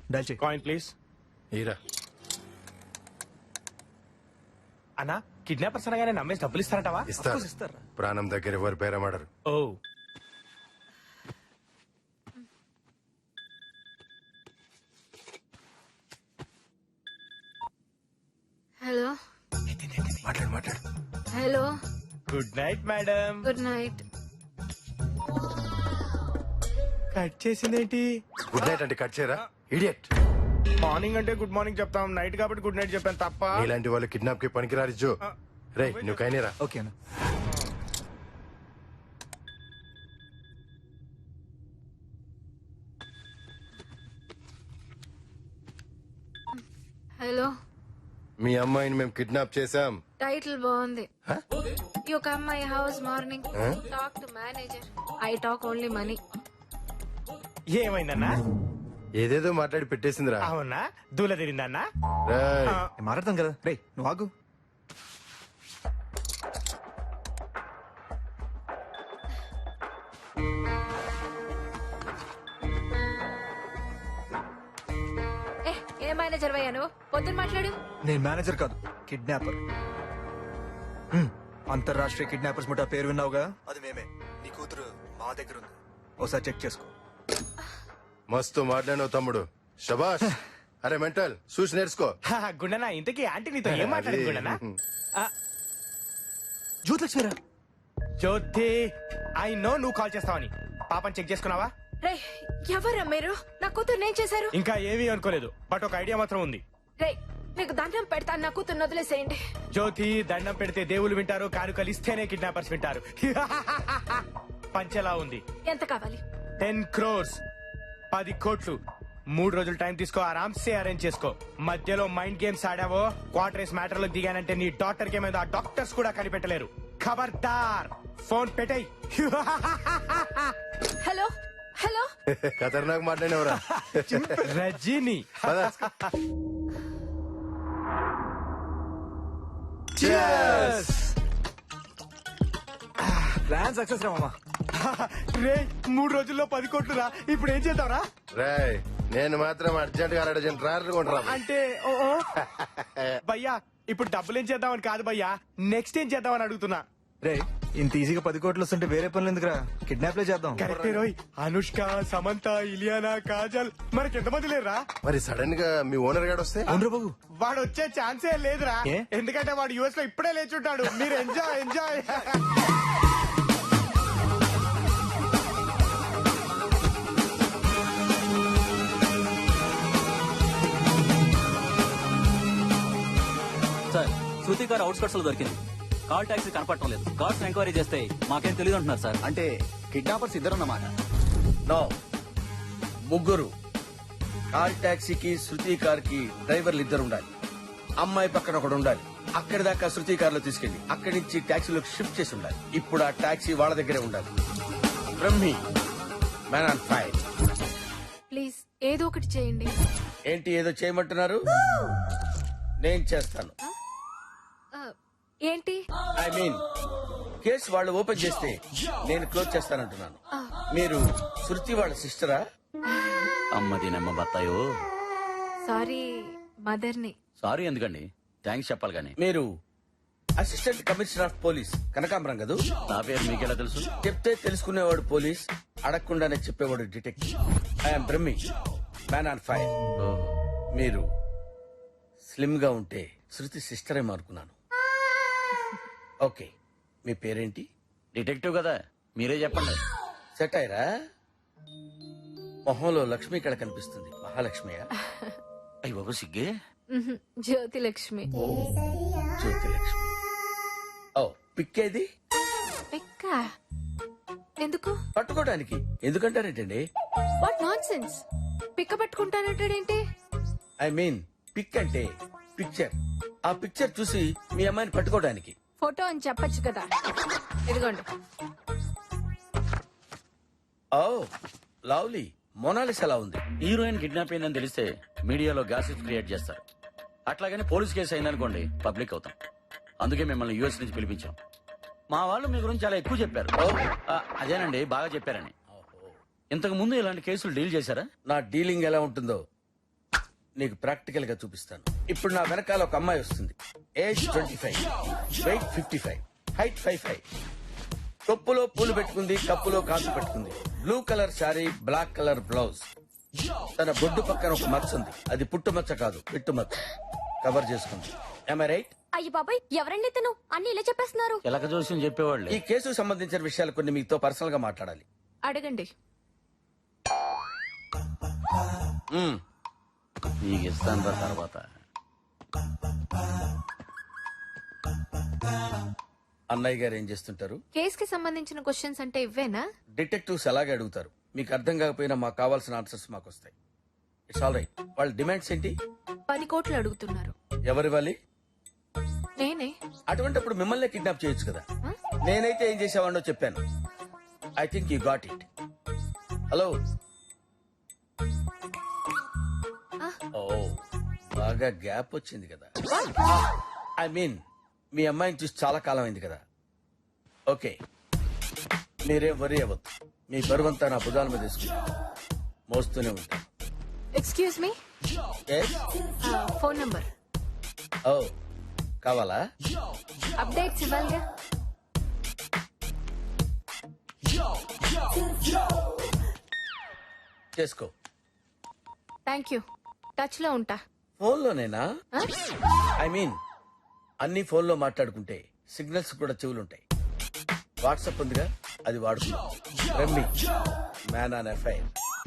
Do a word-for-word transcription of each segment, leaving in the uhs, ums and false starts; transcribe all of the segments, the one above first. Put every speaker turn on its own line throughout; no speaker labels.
Dial చేయి.
Coin please.
ఈరా
అన్నా కిడ్నాపర్స్ అనగానే నమ్మేసి డబ్బులు ఇస్తారంటావా?
ఇస్తారు
ఇస్తారా?
ప్రాణం దగ్గర ఎవరు బేరమాడరు.
ఓ
హలో
మాట్లాడు మాట్లాడు.
Hello
good night madam.
Good night.
Cut చేసిందేంటి?
గుడ్ నైట్ అంటే కట్ చేయరా ఇడియట్.
మార్నింగ్ అంటే గుడ్ మార్నింగ్ చెప్తాం, నైట్ కాబట్టి గుడ్ నైట్ చెప్పాను తప్ప.
ఇలాంటి వాళ్ళు కిడ్నాప్ కి పనికిరారు జో. రే నువ్వు కైనేరా.
ఓకేనా?
హలో
మీ అమ్మాయిని మేము కిడ్నాప్ చేశాం.
టైటిల్ బాగుంది. You come my house morning talk to manager. I talk only money.
ఏమైందన్నా?
ఏదేదో మాట్లాడి పెట్టేసిందిరా.
అవునా? దూల తిరిందన్నా?
రేయ్,
నేను మాట్లాడతాం కదా. రే నువ్వు ఆగు.
ఏ ఏ మేనేజర్ వయ్యా నువ్వు? పొద్దున్న మాట్లాడు.
నేను మేనేజర్ కాదు, కిడ్నాపర్. హ్మ్, అంతర్రాష్ట్రీయ కిడ్నాపర్స్ ముఠా పేరు విన్నావుగా, అది మేమే. నీ కూతురు మా దగ్గర ఉంది, ఒకసారి చెక్ చేసుకో.
మస్తు మాట్లాడినావు తమ్ముడు, శబాష్. అరే మెంటల్ చూసి నేర్చుకో.
గుండనా ఇంతకీ ఆంటీ నీతో ఏం మాట్లాడింది గుండనా?
జ్యోతిలక్ష్మిరా.
జ్యోతి ఐ నో నువ్వు కాల్ చేస్తావని. పాపని చెక్ చేసుకున్నావా?
రే ఎవరా మీరు? నా కూతురు ఏం చేశారు?
ఇంకా ఏమీ అనుకోలేదు, బట్ ఒక ఐడియా మాత్రం ఉంది.
రే మీకు దండం పెడతాను, నా కూతురు వదిలేసేయండి.
జ్యోతి దండం పెడితే దేవుళ్ళు వింటారు, కానుకలు ఇస్తేనే కిడ్నాపర్స్ వింటారు. పంచెలా ఉంది.
ఎంత కావాలి?
టెన్ క్రోర్స్ పది కోట్లు. మూడు రోజులు టైం తీసుకో, ఆరామ్సే అరేంజ్ చేసుకో. మధ్యలో మైండ్ గేమ్స్ ఆడావో, క్వార్టర్స్ మ్యాటర్ లో దిగానంటే నీ డాక్టర్ కి మీద డాక్టర్స్ కూడా కనిపెట్టలేరు. ఖబర్దార్, ఫోన్ పెట్టేయ్.
హలో హలో
ఖతర్నాక్ మాట్లాడినవరా.
రజీని.
ప్లాన్ సక్సెస్ రా మామా.
రే మూడు రోజుల్లో పది కోట్లు రా, ఇప్పుడు ఏం చేద్దాంరా?
రాయ్ నేను మాత్రం అర్జెంట్ గా అర్జెంట్ ట్రాయల్ కొంటరా.
అంటే ఓ ఓ. భయ్యా ఇప్పుడు డబ్బులు ఏం చేద్దామని కాదు భయ్యా, నెక్స్ట్ ఏం చేద్దామని అడుగుతున్నా.
రే ఇంత ఈజీగా పది కోట్లు వస్తుంటే వేరే పనులు ఎందుకురా, కిడ్నాప్లే చేద్దాం.
కరెక్టే రోయ్. అనుష్క, సమంత, ఇలియానా, కాజల్, మనకి ఎంతమంది లేరురా?
మరి సడన్ గా మీ ఓనర్ గాడు వస్తే?
అవునరా బాబు.
వాడు వచ్చే ఛాన్సే లేదురా,
ఏ?
ఎందుకంటే వాడు యుఎస్ లో ఇప్పుడే లేచుంటాడు. మీరు ఎంజాయ్ ఎంజాయ్.
సార్ శృతి గారు అవుట్స్కట్స్ లో దొరికింది. కాల్ టాక్సీ కనపడటం లేదు. కార్స్ ఎంక్వైరీ చేస్తే మాకేం తెలియదు అంటున్నారు సార్.
అంటే కిడ్నాపర్స్ ఇద్దరన్నమాట. నో, ముగ్గురు. కార్ టాక్సీకి శృతి కార్ కి డ్రైవర్లు ఇద్దరు ఉండాలి. అమ్మాయి పక్కన ఒకడు ఉండాలి. అక్కడి దాకా శృతి కార్ లో తీసుకెళ్లి అక్కడి నుంచి టాక్సీలోకి షిఫ్ట్ చేసి ఉండాలి. ఇప్పుడు ఆ టాక్సీ వాళ్ళ దగ్గరే ఉండాలి. Brahmi, man on fire.
Please ఏదో ఒకటి చేయండి.
ఏంటి ఏదో చేయమంటున్నారు? నేను చేస్తాను.
ఆ, ఏంటి?
ఐ మీన్ కేసు వాళ్ళు ఓపెన్ చేస్తే నేను క్లోజ్ చేస్తానంటున్నాను. మీరు శృతి వాళ్ళ సిస్టరా?
అమ్మది నమ్మ బత్తాయో.
సారీ మదర్ని.
సారీ ఎందుకండి, థ్యాంక్స్ చెప్పాలి కానీ.
మీరు అసిస్టెంట్ కమిషనర్ ఆఫ్ పోలీస్ కనకాంబరం కదూ?
నా పేరు మీకెలా తెలుసు?
చెప్తే తెలుసుకునేవాడు పోలీస్, అడగకుండానే చెప్పేవాడు detective. I'm Brahmi, man on fire. మీరు స్లిమ్ గా ఉంటే శృతి సిస్టర్ ఏమో అనుకున్నాను. ఓకే, మీ పేరేంటి?
డిటెక్టివ్ కదా, మీరే చెప్పండి.
సెట్ అయ్యరా? మొహంలో లక్ష్మి ఇక్కడ కనిపిస్తుంది. మహాలక్ష్మియా?
అయ్యి బాబు సిగ్గే.
మ్హూ, జ్యోతి లక్ష్మి.
జ్యోతి లక్ష్మి. ఓ పిక్కేది?
పిక్క ఎందుకు?
పట్టుకోవడానికి. ఎందుకంటారేంటండి?
What nonsense. పిక్క పట్టుకుంటానంటాడేంటి?
ఐ మీన్ పిక్ అంటే పిక్చర్. ఆ పిక్చర్ చూసి మీ అమ్మాయిని పట్టుకోవడానికి.
ఫోటో అని చెప్పొచ్చు కదా. ఇదిగోండి.
Oh lovely. మొనాలిస్ ఎలా ఉంది?
హీరోయిన్ కిడ్నాప్ అయిందని తెలిస్తే మీడియాలో గ్యాసెస్ క్రియేట్ చేస్తారు. అట్లాగని పోలీస్ కేసు అయిందనుకోండి పబ్లిక్ అవుతాం. అందుకే మిమ్మల్ని యూఎస్ నుంచి పిలిపించాం. మా వాళ్ళు మీ గురించి చాలా ఎక్కువ చెప్పారు. ఆ, అదేనండి బాగా చెప్పారని. ఇంతకు ముందు ఇలాంటి కేసులు డీల్ చేశారా?
నా డీలింగ్ ఎలా ఉంటుందో నీకు ప్రాక్టికల్ గా చూపిస్తాను. ఇప్పుడు నా వెనకాల ఒక అమ్మాయి వస్తుంది. Age twenty five, weight fifty five, height five five. కొప్పులో పూలు పెట్టుకుంది, కప్పులో కాసు పెట్టుకుంది. Blue colour sari, black colour blouse. తన బొడ్డు పక్కన ఒక మచ్చ ఉంది. అది పుట్టు మచ్చ కాదు, పిట్టు మచ్చ. కవర్ చేసుకుంది. Am I right?
అయ్యి బాబాయ్ ఎవరండి ఇతను అన్ని ఇలా చెప్పేస్తున్నారు.
ఎలక జోస్యం చెప్పేవాళ్ళు.
ఈ కేసుకు సంబంధించిన విషయాలు కొన్ని మీతో పర్సనల్ గా మాట్లాడాలి.
అడగండి.
మ్మ్.
నీకు ఇస్తాను రా తర్వాత.
అన్నయ్య గారు ఏం చేస్తుంటారు?
కేస్ కి సంబంధించిన క్వశ్చన్స్ అంటే ఇవ్వేనా?
డిటెక్టివ్స్ అలాగే అడుగుతారు. మీకు అర్థం కాకపోయినా మాకు కావాల్సిన ఆన్సర్స్ మాకు వస్తాయి. It's all right. వాళ్ళ డిమాండ్స్ ఏంటి?
పది కోట్లు అడుగుతున్నారు.
ఎవరివ్వాలి?
నేనే.
అటువంటిప్పుడు మిమ్మల్ని కిడ్నాప్ చేయొచ్చు కదా.
Huh?
నేనైతే ఏం చేసేవాడినో చెప్పాను. I think you got it. Hello. ఓ బాగా గ్యాప్ వచ్చింది కదా. ఐ మీన్ మీ అమ్మాయిని చూసి చాలా కాలం అయింది కదా. ఓకే, మీరేం వరి అవ్వద్దు. మీ బరువంతా నా భుజాల మీద తీసుకుంటా, మోస్తూనే ఉంటాను.
Excuse me,
Yes?
Phone number.
ఓ కావాలా?
అప్డేట్స్ ఇవ్వాలిగా.
చేసుకో.
Thank you. టచ్ లో ఉంటా.
ఫోన్లోనేనా?
Huh?
ఐ మీన్ అన్ని ఫోన్లో మాట్లాడుకుంటే సిగ్నల్స్ కూడా చెవులుంటాయి. వాట్సాప్ ఉందిగా, అది వాడుకుందాం. రమ్మి మ్యాన్ ఆన్ ఎఫ్ఐఆర్.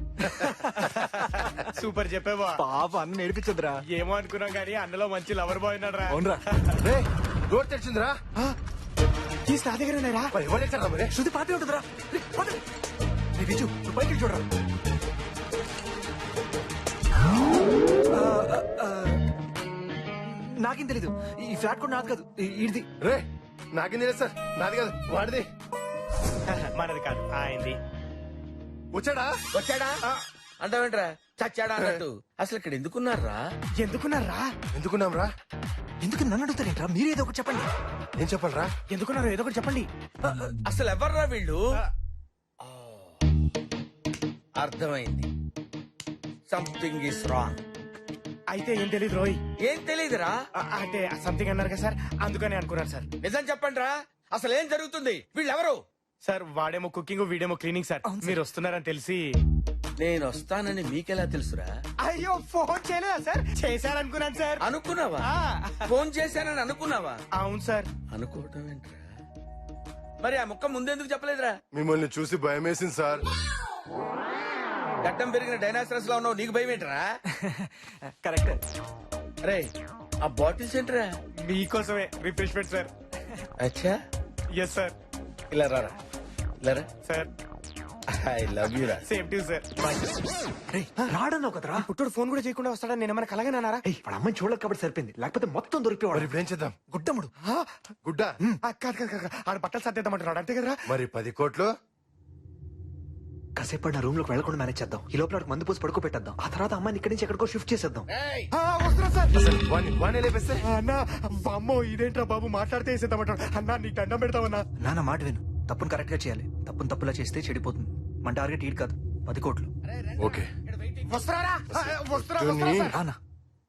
సూపర్ చెప్పేవా.
పాప అన్న నేర్పించదురా.
ఏమో అనుకున్నాం కానీ అన్నలో మంచి లవర్ బాయ్ ఉన్నాడు రా.
అవునరా.
రే డోర్ తెరిచిందిరా.
తీసి నా దగ్గర ఉన్నారా?
మరి ఎవరు తెచ్చారా మరి?
శృతి పాటే ఉంటుందిరా. రే, పద. రే, విజు నువ్వు పైకి వెళ్ళి చూడరా. ఆ, ఆ, ఆ, నాకేం తెలీదు. ఈ ఫ్లాట్ కూడా నాది కాదు, ఇది.
రే నాకేం తెలియదు సార్, నాది కాదు వాడిది.
మనది కాదు, ఆయనది.
వచ్చాడా?
వచ్చాడా అంటావేంట్రా? చచ్చాడా అన్నట్టు. అసలు ఇక్కడ ఎందుకున్నారా?
ఎందుకున్నారా?
ఎందుకున్నాం రా?
ఎందుకు నన్ను అడుగుతారేంట్రా? మీరు ఏదో ఒకటి చెప్పండి.
ఏం చెప్పాలరా?
ఎందుకున్నారు ఏదో ఒకటి చెప్పండి.
అసలు ఎవర్రా వీళ్ళు? ఆ, అర్థమైంది. Something is wrong.
అయితే ఏం తెలియదు రోయ్.
ఏం తెలీదురా?
ఆ, అంటే సంథింగ్ అన్నారు కదా సార్, అందుకని అనుకున్నాను సార్.
నిజం చెప్పండి రా, అసలు ఏం జరుగుతుంది? వీళ్ళెవరు?
సార్ వాడేమో కుకింగ్, వీడేమో క్లీనింగ్ సార్. మీరు వస్తున్నారని తెలిసి.
నేను వస్తానని మీకెలా తెలుసురా?
అయ్యో ఫోన్ చేయలేదా సార్? చేశారనుకున్నాను సార్.
అనుకున్నావా?
ఆ,
ఫోన్ చేశానని అనుకున్నావా?
అవును సార్.
అనుకోవటం ఏంట్రా? మరి ఆ ముక్క ముందెందుకు చెప్పలేదురా?
మిమ్మల్ని చూసి భయం వేసింది సార్.
గడ్డం పెరిగిన డైనాసరస్ లో ఉన్నావు, నీకు భయం ఏంట్రా?
కరెక్ట్.
అరే ఆ బాటిల్స్ ఏంట్రా?
మీకోసమే రిఫ్రెష్మెంట్ సార్.
అచ్చా,
ఎస్ సార్.
ఇలా రారా, ఇలా రా.
సార్
ఐ లవ్ యూ రా.
Same to sir.
రే, రాడన్నావు కదరా.
పుట్టుడు ఫోన్ కూడా చేయకుండా వస్తాడని నేను ఏమైనా కలగనన్నారా?
ఏయ్, వాడు అమ్మాయిని చూడలేక కాబట్టి సరిపోయింది, లేకపోతే మొత్తం
మరి
దొరికిపోవాడు.
ఇప్పుడు ఏం చేద్దాం?
గుడ్డముడు.
గుడ్డ.
ఆ, కాదు కాదు కాదు, ఆడ బట్టలు సర్దేద్దామంటున్నాడు అంతే కదరా?
మరి పది కోట్లు?
కాసేపు నా రూమ్ లోకి వెళ్ళకుండా మేనేజ్ చేద్దాం. ఈ లోపల వాడికి మందు పోసి పడుకో పెట్టేద్దాం. ఆ తర్వాత అమ్మాయిని ఇక్కడి నుంచి ఎక్కడికో షిఫ్ట్ చేసేద్దాం.
ఏయ్,
ఆ, వస్తున్నా సార్.
అసలు వాణ్ణి వాణ్ణి లేపేస్తే?
అన్నా అమ్మో ఇదేంట్రా బాబు, మాట్లాడితే వేసేద్దామంటాడు. అన్నా నీకు దండం పెడతావన్నా.
నాన్న మాట విను. తప్పును కరెక్ట్ గా చేయాలి. తప్పును తప్పులా చేస్తే చెడిపోతుంది. మన టార్గెట్ ఈడ్ కాదు, పది కోట్లు.
ఓకే.
వస్తున్నారా? ఆ, వస్తున్నా
ధోని.
వస్తున్నా సార్.
రానా.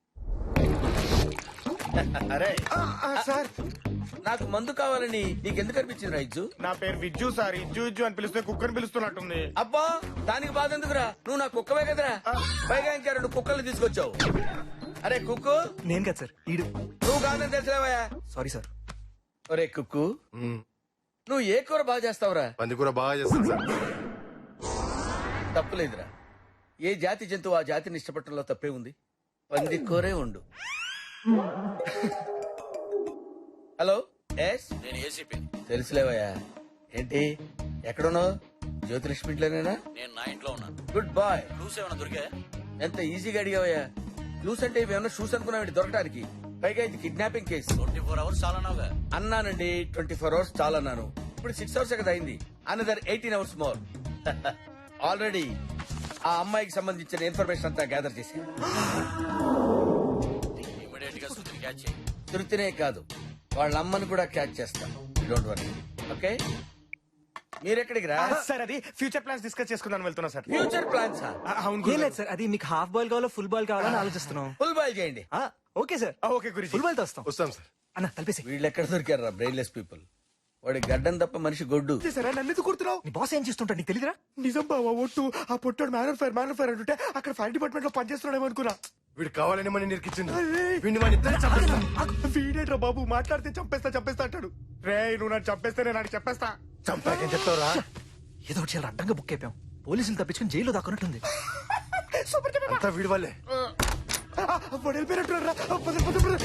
అరే
ఆ, ఆ, సార్
నాకు మందు కావాలని నీకెందుకు అనిపించింది రైజు?
నా పేరు విజ్జు సార్. ఇజ్జు ఇజ్జు అని పిలిస్తే కుక్కని పిలుస్తున్నట్టుంది.
అబ్బా దానికి బాధ ఎందుకురా? నువ్వు నా కుక్కవే కదరా. పైగా ఇంకా రెండు కుక్కలు తీసుకొచ్చావు. అరే కుక్కు,
నేను కదా సార్, ఈడు.
నువ్వు కాదని తెలిసిలేవయా?
Sorry sir.
ఒరే కుక్కు,
మ్మ్.
నువ్వు ఏ కూర బాగా చేస్తావురా?
పంది కూర బాగా చేస్తాను సార్.
తప్పులేదురా. ఏ జాతి జంతువు ఆ జాతిని ఇష్టపడటంలో తప్పే ఉంది. పంది కూరే ఉండు. హలో, ఎస్
నేను ఏసీపీ.
తెలుసులేవయ్యా. ఏంటి ఎక్కడున్నావు? జ్యోతిలక్ష్మి ఇంట్లోనేనా?
నేను నా ఇంట్లో ఉన్నాను.
Good bye.
క్లూస్ ఏమైనా దొరికా?
ఎంత ఈజీగా అడిగావయ్యా. క్లూస్ అంటే ఇవేమన్నా షూస్ అనుకున్నావు దొరకడానికి? పైగా ఇది kidnapping case.
Twenty four hours చాలా నావుగా.
అన్నానండి, ట్వంటీ ఫోర్ అవర్స్ చాలా అన్నాను. ఇప్పుడు సిక్స్ అవర్స్ కదా అయింది. Another eighteen hours more. Already ఆ అమ్మాయికి సంబంధించిన ఇన్ఫర్మేషన్ అంతా గ్యాదర్ చేసి
ఇమీడియట్ గా సుతిని క్యాచ్ చేయి.
తృప్తినే కాదు, వాళ్ళ అమ్మని కూడా క్యాచ్ చేస్తాను. Don't worry. ఓకే మీరెక్కడికి రా
సార్ అది ఫ్యూచర్ ప్లాన్స్ డిస్కస్ చేసుకుందాం వెళ్తున్నా సార్
ఫ్యూచర్ ప్లాన్స్
ఆ, అవును
ఏం
గురుగారు.
లేదు సార్ అది మీకు హాఫ్ బాల్ కావాలో ఫుల్ బాల్ కావాలని ఆలోచిస్తున్నాం
ఫుల్ బాయ్ చేయండి
ఆ, ఓకే సార్
ఆ, ఓకే గురించి
ఫుల్ బాల్ తో వస్తాం
వస్తాం సార్
అన్న కలిపేసి
వీళ్ళు ఎక్కడ దొరికారు రా బ్రెయిన్లెస్ పీపుల్ వాడి గడ్డం తప్ప మనిషి గొడ్డు
సరే నన్ను ఎందుకు కుడుతున్నావు
నీ బాస్ ఏం చేస్తుంటాడు నీకు తెలియదురా
నిజం బావా ఒట్టు ఆ పొట్టాడు మ్యాన్ ఫైర్ మ్యాన్ ఫైర్ అంటుంటే అక్కడ ఫైర్ డిపార్ట్మెంట్ లో పనిచేస్తున్నాడేమో అనుకున్నా
వీడు కావాలని మన నిరికిచ్చిండు
అరే.
వీడిని మన ఇద్దరు చంపేస్తాం
వీడేట్రా బాబు మాట్లాడితే చంపేస్తా చంపేస్తా అంటాడు రే నువ్వు నన్ను చంపేస్తే నేను నాకు చెప్పేస్తా
చంపాకేం చెప్తావురా
ఏదో ఒకటి చాలా అడ్డంగా బుక్ అయిపోయాం పోలీసులు తప్పించుకుని జైల్లో దాక్కున్నట్టుంది
సూపర్
అంతా వీడి వల్లే
వెళ్ళిపోయినట్టు